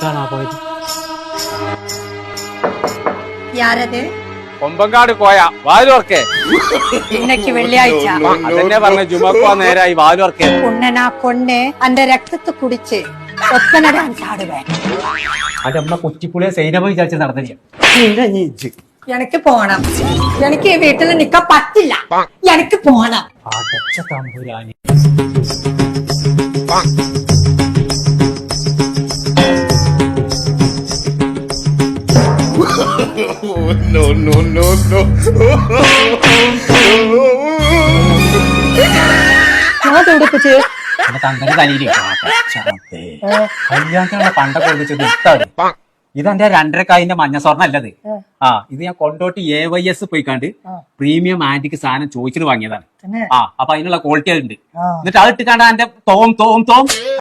എങ്ങോട്ടാണാ പോയത്? കൊമ്പങ്കാട് കോയ വാലുവർക്കേ. ഇന്നക്ക് വെള്ളിയാഴ്ച അതെന്നെ പറഞ്ഞ ജുമക്കോ നേരായി വാലുവർക്കേ. ഉണ്ണനാ കൊണ്ണെ അന്റെ രക്തത്തെ കുടിച്ച് ഒപ്പന ഡാൻസ് ആടുവേ. അത് നമ്മളെ കൊച്ചിപ്പുളിയെ സൈനമ വിചാരിച്ച് നടന്നില്ല. എനിക്ക് പോണം. എനിക്ക് ഈ വീട്ടിൽ നിക്കാൻ പറ്റില്ല. എനിക്ക് പോണം. അടച്ച തമ്പുരാനി. No, no, no, no. ഞാൻ തുടിപ്പിച്ച് എന്റെ തന്തന്റെ തലയില് കല്യാണത്തിനുള്ള പണ്ടൊക്കെ ഒഴിച്ചത് ഇട്ടാണ്. ഇതെന്റെ 2.5 മഞ്ഞ സ്വർണ്ണം അല്ലത്. ഇത് ഞാൻ കൊണ്ടോട്ട് AYS പോയിക്കാണ്ട് പ്രീമിയം ആന്റിക്ക് സാധനം ചോദിച്ചിട്ട് വാങ്ങിയതാണ്. അപ്പൊ അതിനുള്ള ക്വാളിറ്റി ഉണ്ട്. എന്നിട്ട് അത് ഇട്ടിക്കാണ്ട് എന്റെ തോം തോം തോം